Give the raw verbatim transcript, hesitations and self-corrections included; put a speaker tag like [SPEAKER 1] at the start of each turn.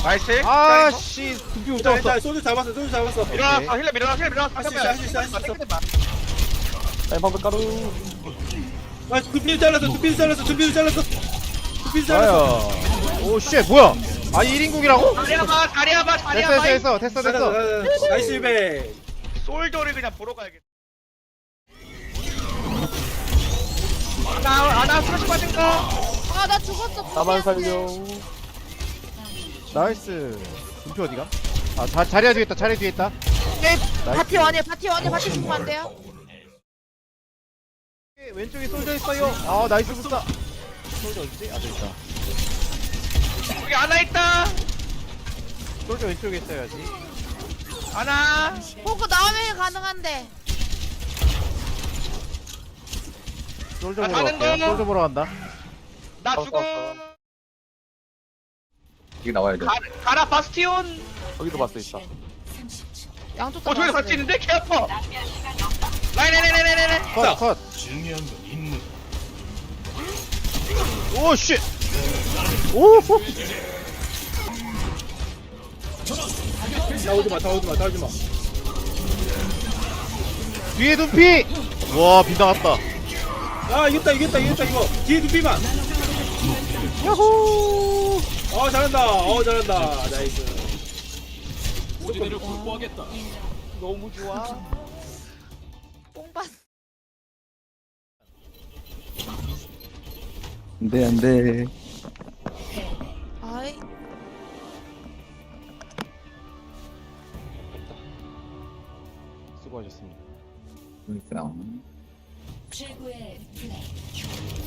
[SPEAKER 1] 나이스.
[SPEAKER 2] 아씨 두피 못
[SPEAKER 3] 일단
[SPEAKER 2] 잡았어.
[SPEAKER 3] 일단 소주 잡았어 소주 잡았어.
[SPEAKER 1] 밀어놨어. 힐러 밀어놨어. 힐러 밀어놨어.
[SPEAKER 3] 할수 있어, 할수 있어, 할수 있어.
[SPEAKER 2] 라인 방금 까루.
[SPEAKER 3] 아 두피를 잘랐어 두피를 잘랐어 두피를 잘랐어. 두피를 잘랐어.
[SPEAKER 2] 아야. 오씨 뭐야? 아 일 인국이라고?
[SPEAKER 1] 자리야 봐. 자리야 봐. 자리야
[SPEAKER 2] 됐어
[SPEAKER 1] 봐.
[SPEAKER 2] 됐어 됐어 됐어 됐어.
[SPEAKER 3] 잘랐어. 나이스 일배.
[SPEAKER 1] 솔저를 그냥 보러 가야겠다. 아나 아나 스트레스 빠진 거.
[SPEAKER 4] 아, 나 죽었어.
[SPEAKER 2] 나만 살려. 나이스. 두피 어디가? 아 자, 자리야 뒤에 있다. 자리 뒤에 있다.
[SPEAKER 4] 네, 파티 원이에요. 파티 원이에요. 파티 죽으면 안 돼요.
[SPEAKER 2] 왼쪽에 솔져 있어요. 아 나이스 굿다. 솔져 어디지? 아 저기 있다.
[SPEAKER 1] 여기 아나 있다.
[SPEAKER 2] 솔져 왼쪽에 있어야지.
[SPEAKER 1] 아나.
[SPEAKER 4] 보고 나오면 가능한데.
[SPEAKER 2] 솔져
[SPEAKER 1] 아,
[SPEAKER 2] 보러
[SPEAKER 1] 가는
[SPEAKER 2] 갈게요.
[SPEAKER 1] 거.
[SPEAKER 2] 솔져 보러 간다.
[SPEAKER 1] 나 죽어.
[SPEAKER 5] 이게 나와야 돼.
[SPEAKER 1] 가, 가라 바스티온.
[SPEAKER 2] 거기도 봤어 있다.
[SPEAKER 4] 양쪽 다.
[SPEAKER 1] 어 저기 같이 있는데 개 아파. 라인 라인 라인 라인 라인.
[SPEAKER 2] 컷 컷. 오 씨. 오. 호.
[SPEAKER 3] 나오지 마 나오지 마 나오지 마.
[SPEAKER 2] 뒤에 눈피. 와 빗나갔다.
[SPEAKER 3] 아 이겼다 이겼다 이겼다 이거. 뒤에 두피만.
[SPEAKER 2] 야호.
[SPEAKER 3] 어 잘한다. 어 잘한다. 나이스.
[SPEAKER 2] 너무 좋아.
[SPEAKER 4] 뽕받.
[SPEAKER 5] 안돼 안돼.
[SPEAKER 4] 아이.
[SPEAKER 2] 수고하셨습니다.
[SPEAKER 5] 그러니까.
[SPEAKER 6] 최고의 플레이.